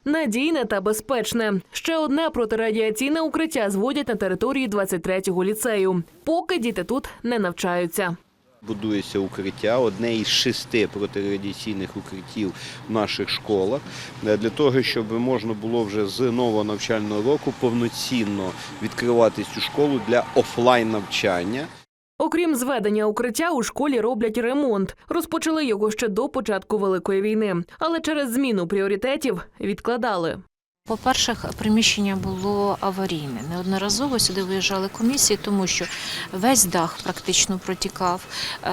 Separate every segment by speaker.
Speaker 1: Надійне та безпечне. Ще одне протирадіаційне укриття зводять на території 23-го ліцею. Поки діти тут не навчаються.
Speaker 2: Будується укриття, одне із 6 протирадіаційних укриттів в наших школах, для того, щоб можна було вже з нового навчального року повноцінно відкривати цю школу для офлайн-навчання.
Speaker 1: Окрім зведення укриття, у школі роблять ремонт. Розпочали його ще до початку Великої війни. Але через зміну пріоритетів відкладали.
Speaker 3: По-перше, приміщення було аварійне. Неодноразово сюди виїжджали комісії, тому що весь дах практично протікав.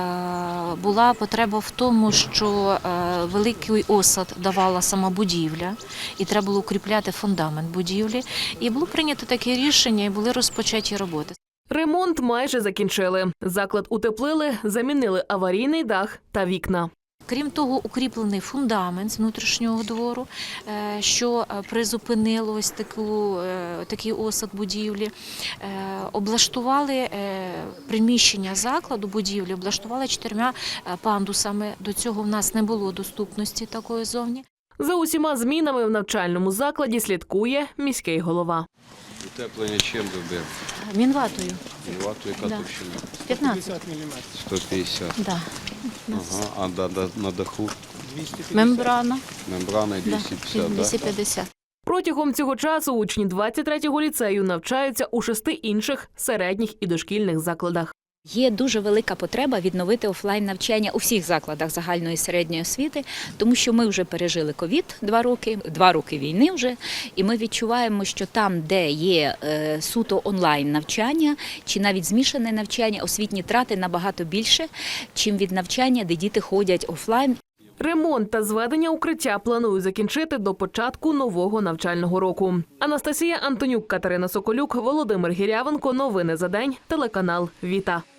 Speaker 3: Була потреба в тому, що великий осад давала сама будівля, і треба було укріпляти фундамент будівлі. І було прийнято таке рішення, і були розпочаті роботи.
Speaker 1: Ремонт майже закінчили. Заклад утеплили, замінили аварійний дах та вікна.
Speaker 3: Крім того, укріплений фундамент з внутрішнього двору, що призупинило ось такий осад будівлі. Облаштували приміщення закладу, будівлі, облаштували 4 пандусами. До цього в нас не було доступності такої зовні.
Speaker 1: За усіма змінами в навчальному закладі слідкує міський голова.
Speaker 2: Утеплення чим робив?
Speaker 3: Мінватою.
Speaker 2: Мінватою яка товщина?
Speaker 3: 15
Speaker 2: мм. 150.
Speaker 3: Да.
Speaker 2: Ага, а на даху?
Speaker 3: Мембрана.
Speaker 2: Мембрана і 250, так?
Speaker 3: 250.
Speaker 1: Протягом цього часу учні 23-го ліцею навчаються у 6 інших середніх і дошкільних закладах.
Speaker 4: Є дуже велика потреба відновити офлайн-навчання у всіх закладах загальної і середньої освіти, тому що ми вже пережили ковід 2 роки війни вже, і ми відчуваємо, що там, де є суто онлайн-навчання, чи навіть змішане навчання, освітні трати набагато більше, чим від навчання, де діти ходять офлайн.
Speaker 1: Ремонт та зведення укриття планують закінчити до початку нового навчального року. Анастасія Антонюк, Катерина Соколюк, Володимир Гірявенко. Новини за день. Телеканал «Віта».